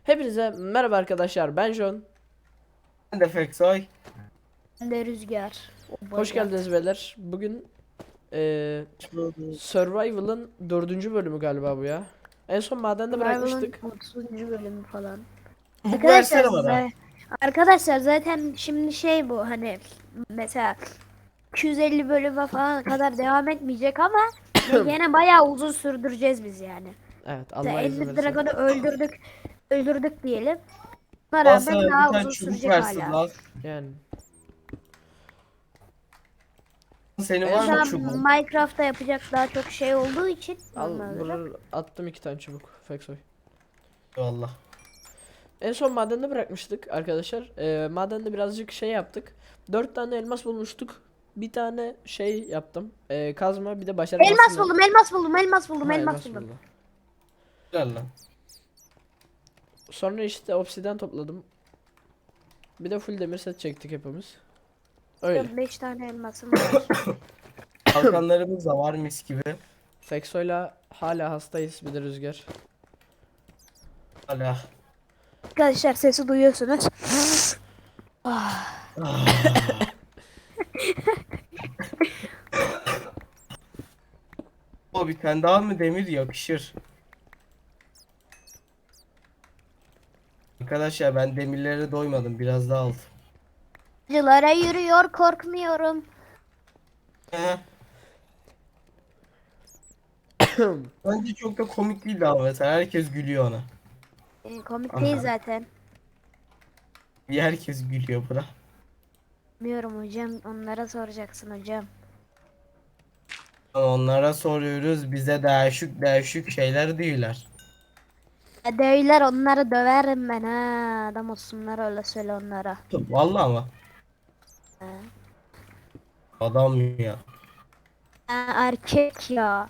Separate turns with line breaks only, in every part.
Hepinize merhaba arkadaşlar, ben John.
Ben de Feksoy.
Ben de Rüzgar. O
Hoş
bacak.
geldiniz beyler. Bugün Survival'ın 4. bölümü galiba bu ya. En son madende
Survival'ın
bırakmıştık.
30. bölümü falan.
Bu
Arkadaşlar,
versene bana.
arkadaşlar zaten şimdi şey bu hani mesela 250 bölüme falan kadar devam etmeyecek ama yine bayağı uzun sürdüreceğiz biz yani.
Evet,
Mesela
Allah izin
50
verirse.
Dragon'u öldürdük diyelim. Buna
Al
rağmen
sana bir
daha
tane
uzun
çubuk
sürecek
versin
hala.
lan.
Yani
Senin
En
var
Şu
mı
son
an
çubuğun?
Minecraft'ta yapacak daha çok şey olduğu için
al
normal olarak.
buraya attım 2 tane çubuk. Feksoy.
Vallahi.
En son madende bırakmıştık arkadaşlar. Madende birazcık şey yaptık. 4 tane elmas bulmuştuk. Bir tane şey yaptım. Kazma, bir de
Elmas
başarmasın.
buldum, elmas buldum, elmas buldum,
Ha,
elmas
elmas
buldum.
buldu.
Güzel lan.
Sonra işte obsidian topladım. Bir de full demir set çektik hepimiz. Öyle.
5 tane elmasım var.
Kalkanlarımız da var mis gibi.
Fekso'yla hala hastayız, bir de Rüzgar.
Hala.
Arkadaşlar sesi duyuyorsunuz.
O bir tane daha mı demir yakışır. Arkadaşlar ben demirlere doymadım. Biraz daha aldım.
Acılara yürüyor korkmuyorum.
He. Bence çok da komik değildi ama mesela herkes gülüyor ona.
Komik değil
Aha.
zaten.
Herkes gülüyor buna.
Bilmiyorum hocam, onlara soracaksın hocam.
Onlara soruyoruz bize değişik değişik şeyler diyorlar.
Döyler, onları döverim ben ha. Adam olsunlar, öyle söyle onlara.
Vallahi ama
Ha.
adam ya.
Ha, erkek ya.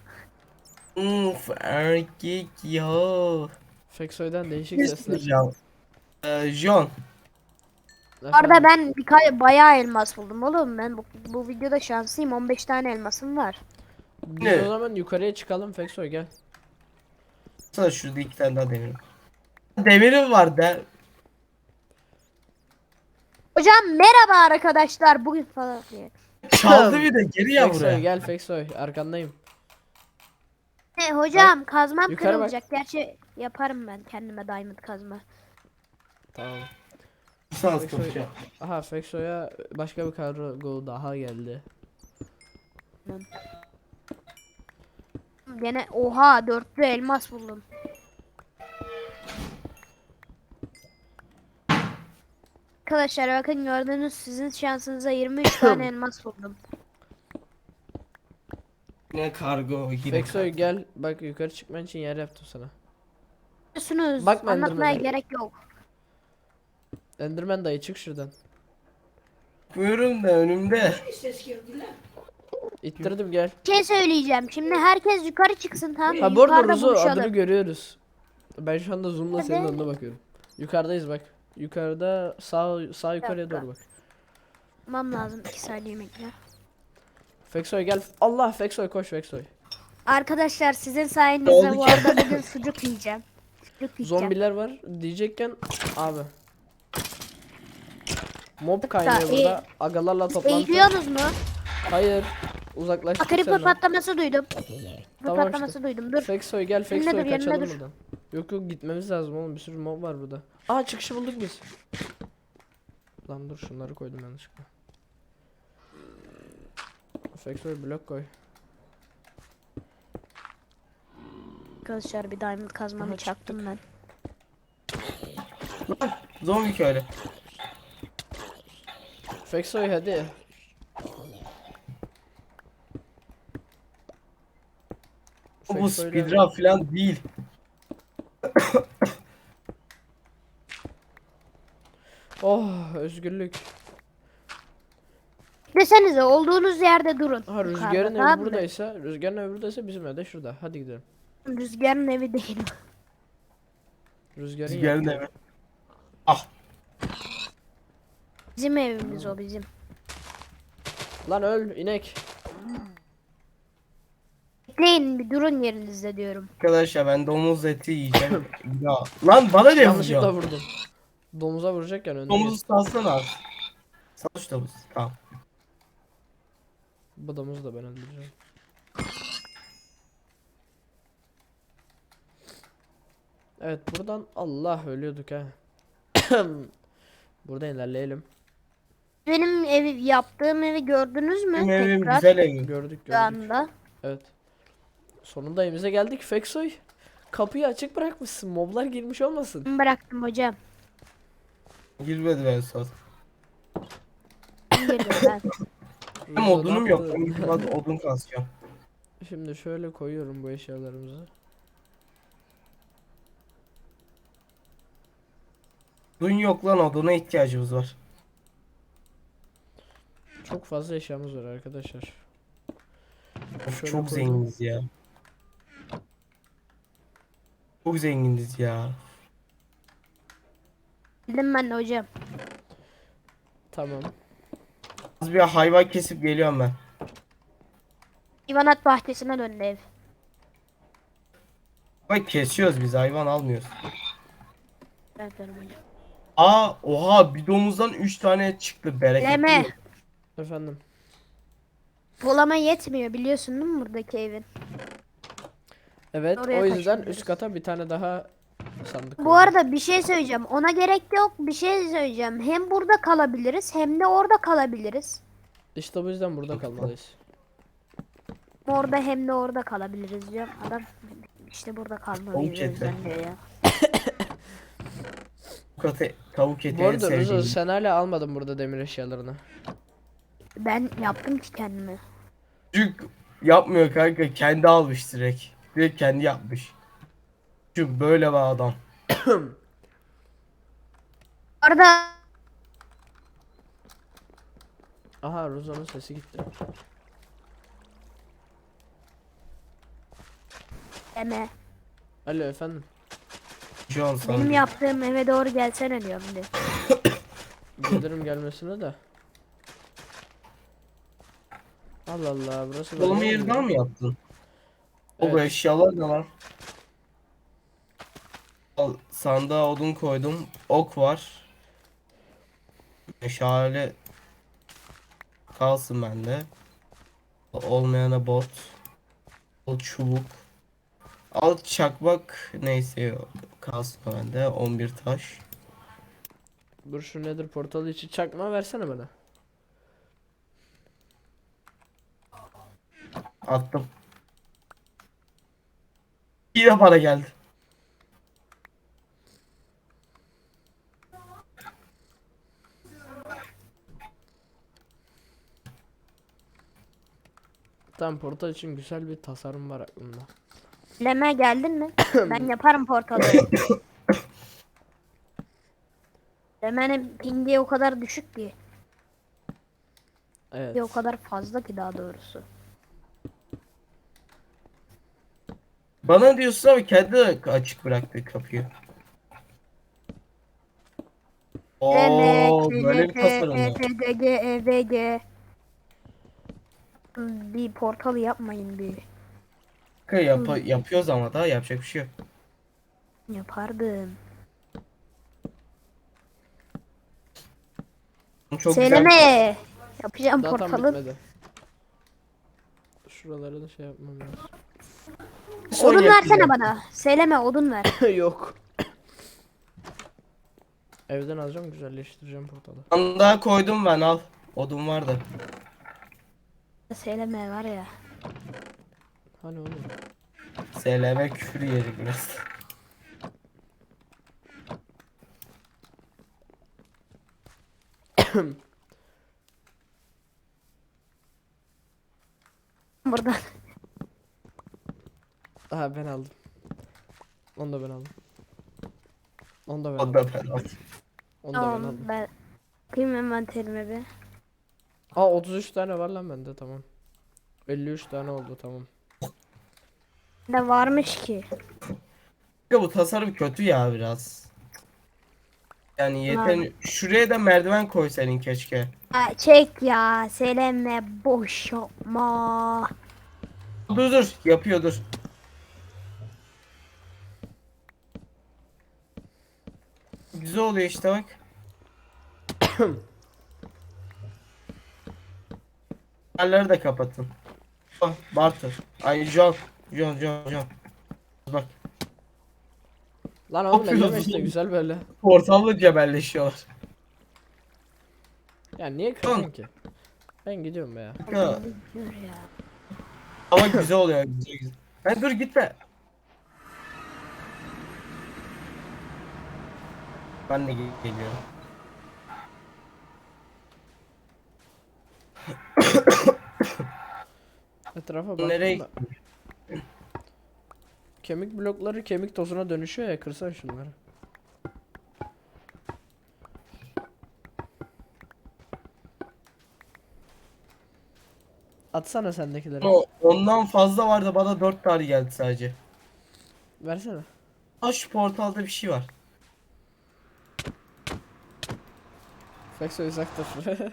Erkek ya.
Feksoy'dan değişik
Ne
sesler.
soracağım? John.
Orada
Efendim.
ben bayağı elmas buldum oğlum. Ben bu videoda şanslıyım. 15 tane elmasım var.
Biz o
Ne?
zaman yukarıya çıkalım, Feksoy gel.
Sana şurada iki tane daha demir var. Demirim var der.
Hocam merhaba arkadaşlar. Bugün falan diye.
Çaldı bir de geri ya
Feksoy
buraya.
gel, Feksoy arkandayım.
Hocam kazmam
yukarı bak.
kırılacak. Gerçi yaparım ben kendime diamond kazma.
Tamam.
Sans
Feksoy.
kapışıyor.
Aha, Feksoy'a başka bir kargo daha geldi.
Gene oha, dörtlü elmas buldum. Arkadaşlar bakın, gördüğünüz sizin şansınıza 23 tane elmas buldum.
Yine kargo yine
Feksoy
kargo.
gel, bak yukarı çıkman için yer yaptım sana.
Biliyorsunuz,
Bakma
anlatmaya
Enderman'e.
gerek yok.
Enderman dayı çık şuradan.
Buyurun da önümde.
İttirdim, gel.
Bir şey söyleyeceğim. Şimdi herkes yukarı çıksın, tamam mı?
Ha, bu arada
Yukarıda
Ruzu adını
buluşalım.
görüyoruz. Ben şu anda zoom'la senin
Hadi.
önüne bakıyorum. Yukarıdayız bak. Yukarıda sağ yukarıya
dakika.
doğru bak.
Tamam, lazım 2 saniye bekle.
Feksoy gel. Allah, Feksoy koş, Feksoy.
Arkadaşlar sizin
Ne
sayenizde
oldu
bu
ki?
arada bugün sucuk yiyeceğim. Sucuk yiyeceğim.
Zombiler var diyecekken abi. Mob
Hatta
kaynıyor burada. Agalarla toplantı.
Eğiliyorsunuz mu?
Hayır. Uzaklaştık
Creeper
senden.
patlaması duydum.
Tamam
Patlaması duydum. Dur.
Feksoy gel,
Yerine
Feksoy
dur, yerine
kaçalım
dur.
buradan. Yok yok, gitmemiz lazım oğlum, bir sürü mob var burada. Aa, çıkışı bulduk biz. Lan dur, şunları koydum yanlışlıkla. Feksoy blok koy.
Arkadaşlar bir diamond kazmamı
Aha,
çaktım ben.
Zombi köylü.
Feksoy hadi.
Bu
Feksoy'la-
speedrun falan değil.
Oh, özgürlük.
Desenize, olduğunuz yerde durun.
Ha,
Yukarıda,
Rüzgar'ın
tamam
evi
mı?
buradaysa, Rüzgar'ın evi buradaysa bizim ev de şurada. Hadi gidelim.
Rüzgarın evi değil.
Rüzgar'ın
Rüzgarın
yaptığı
evi. Ah.
Bizim evimiz o, bizim.
Lan öl inek.
bekleyin bir durun yerinizde diyorum.
Arkadaşlar ben domuz eti yiyeceğim. Ya. Lan bana ne
Yanlışlıkla
vuruyor?
vurdum. Domuza vuracakken önüne
Domuzu
geçti.
salsana abi. Sal şu domuzu. Tamam.
Bu domuzu da ben öldüreceğim. Evet buradan Allah ölüyorduk ha. Buradan ilerleyelim.
Benim evi yaptığım evi gördünüz mü?
Benim evim
Tekrar
güzel evim.
Gördük
şu
gördük.
anda.
Evet. Sonunda evimize geldik. Feksoy. Kapıyı açık bırakmışsın. Moblar girmiş olmasın.
Ben bıraktım hocam.
Girmedi ben son.
Kim girdi ben?
Hem
Ruzo
odunum
ne
yok.
yaptı?
Ben biraz odun kasacağım.
Şimdi şöyle koyuyorum bu eşyalarımızı.
Odun yok lan, oduna ihtiyacımız var.
Çok fazla eşyamız var arkadaşlar.
Of,
Şöyle
çok
koydum.
zenginiz ya. Çok zenginiz ya.
Bildim ben de hocam.
Tamam.
Az bir hayvan kesip geliyorum ben.
İvanat bahçesine döndü ev.
Bak kesiyoruz biz, hayvan almıyoruz.
Evet benim hocam.
Oha, bir domuzdan 3 tane çıktı, bereketli.
Leme.
mi?
Efendim.
Bulama yetmiyor biliyorsun değil mi buradaki evin?
Evet
Oraya
o yüzden
taşınıyoruz.
üst kata bir tane daha sandık
Bu
koyduk.
arada bir şey söyleyeceğim. Ona gerek yok. Bir şey söyleyeceğim. Hem burada kalabiliriz hem de orada kalabiliriz.
İşte bu yüzden burada kalmalıyız.
Orada hem de orada kalabiliriz diyorum. Adam işte burada kalmalıyız
Tavuk
o yüzden
eti.
diyor ya.
Tavuk eti
Bu
en
arada Ruzo
sevdiğim.
sen hala almadın burada demir eşyalarını.
Ben yaptım ki kendime.
Çocuk yapmıyor kanka, kendi almış direkt. Direkt kendi yapmış. Çünkü böyle bir adam.
Orada
Aha Ruzo'nun sesi gitti.
deme.
Alo efendim.
Şu an sana.
Benim yaptığım eve doğru gelsene diyorum diyor.
Gelirim gelmesine de. Allah Allah burası
Dolma
böyle
yeri daha
olmuyor.
mı yaptın? O bu
Evet.
eşyalar ne lan? Al, sandığa odun koydum. Ok var. Meşale kalsın bende. Olmayana bot. Al çubuk. Al çakmak, neyse kalsın bende. 11 taş.
Dur şu nedir portalı için çakma versene bana.
Attım. Yine para geldi.
Tamam portal için güzel bir tasarım var aklımda.
Leme geldin mi? Ben yaparım portalı. Leme'nin pingi o kadar düşük ki.
Evet.
Bir o kadar fazla ki daha doğrusu.
Bana diyorsun ama kendi de açık bıraktı kapıyı.
Leme,
Oo, böyle bir
KNT,
tasarım var.
ETDG, EVG. Bir portalı yapmayın bir.
Kanka yapıyoruz ama daha yapacak bir şey yok.
Yapardım.
Çok
Söyleme. Yapacağım
Daha tam
portalı.
bitmedi. Şuraları da şey yapmam lazım.
Son
Odun
yapacağım.
versene bana. Söyleme odun ver.
Yok. Evden alacağım güzelleştireceğim portalı.
Sandığa koydum ben, al. Odun vardı.
Söyleme var ya.
Hani oğlum.
SLM küfür yiyecek biraz.
Buradan.
Aha ben aldım. Onu da ben aldım. Onu da ben
O
aldım.
da ben aldım.
Onu da ben
Tamam
aldım.
ben. Bakayım envanterime bir.
Aa 33 tane var lan bende tamam. 53 tane oldu tamam.
Ne varmış ki?
Ya bu tasarım kötü ya biraz. Yani yeter.
Lan.
Şuraya da merdiven koy senin keşke.
Ha, çek ya. Söyleme boş yapma.
Dur yapıyor dur. Güzel oluyor işte bak. Yerleri de kapatın. Oh, Bartur. Ay John. Bak
Lan oğlum elleme
yapıyorsun?
işte güzel böyle.
portalla cebelleşiyorlar.
Ya niye kırdın ki? Ben gidiyorum be ya.
Ya,
Dur ya.
ama güzel oluyor güzel. Ben dur gitme. Ben de geliyorum.
Etrafa
Nereye
baktım da. Kemik blokları kemik tozuna dönüşüyor ya, kırsan şunları. Atsana sendekileri.
Ondan fazla vardı, bana 4 tane geldi sadece.
Versene.
Aa, şu portalda bir şey var.
Fexo uzaktır.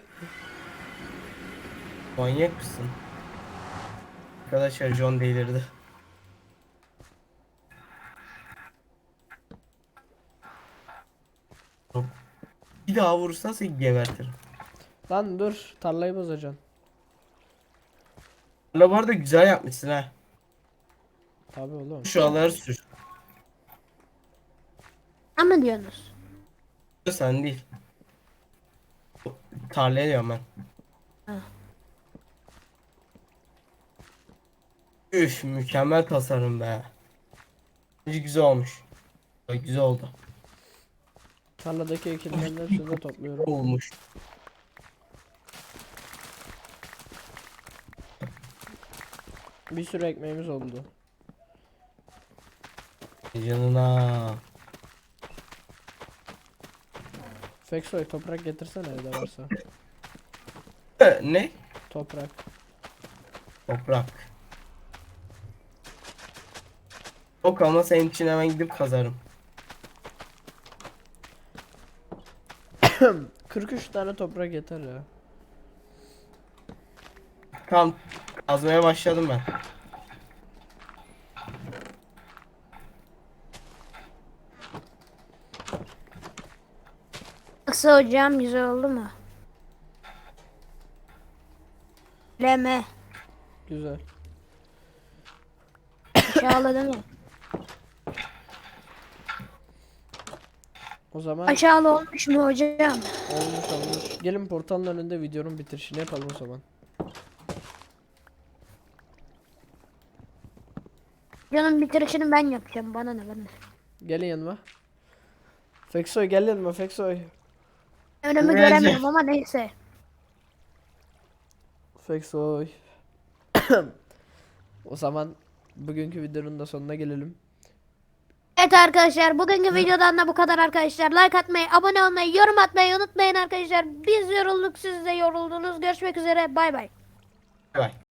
Manyak mısın? Arkadaşlar John delirdi. Bir daha vurursan seni gebertirim.
Lan dur, tarlayı bozacaksın.
La bu arada güzel yapmışsın ha.
Tabii oğlum.
Şu aları sür.
Ama diyorsunuz.
Sen değil. Tarlaya diyorum ben.
Ha.
Üf, mükemmel tasarım be. Bence güzel olmuş. Güzel oldu.
Tarladaki ekinlerin hepsini de topluyorum.
Olmuş.
Bir sürü ekmeğimiz oldu.
Yanına.
Fexo'ya toprak getirsene evde varsa.
Ne?
Toprak.
Toprak. Yok ama senin için hemen gidip kazarım.
43 tane toprak yeter ya.
Tamam. Kazmaya başladım ben.
Nasıl hocam, güzel oldu mu? Leme.
Güzel.
Aşağıladı mı?
O zaman
Aşağılı olmuş mu hocam?
olmuş. Gelin portalın önünde videonun bitirişini yapalım o zaman.
Canım bitirişini ben yapacağım. Bana ne bana.
Gelin yanıma. Fexoy gel yanıma Fexoy.
Önümü
Neyse.
göremiyorum ama neyse.
Fexoy. O zaman bugünkü videonun da sonuna gelelim.
Evet arkadaşlar, bugünkü videodan da bu kadar arkadaşlar. Like atmayı, abone olmayı, yorum atmayı unutmayın arkadaşlar. Biz yorulduk, siz de yoruldunuz. Görüşmek üzere, bay bay.
Bay bay.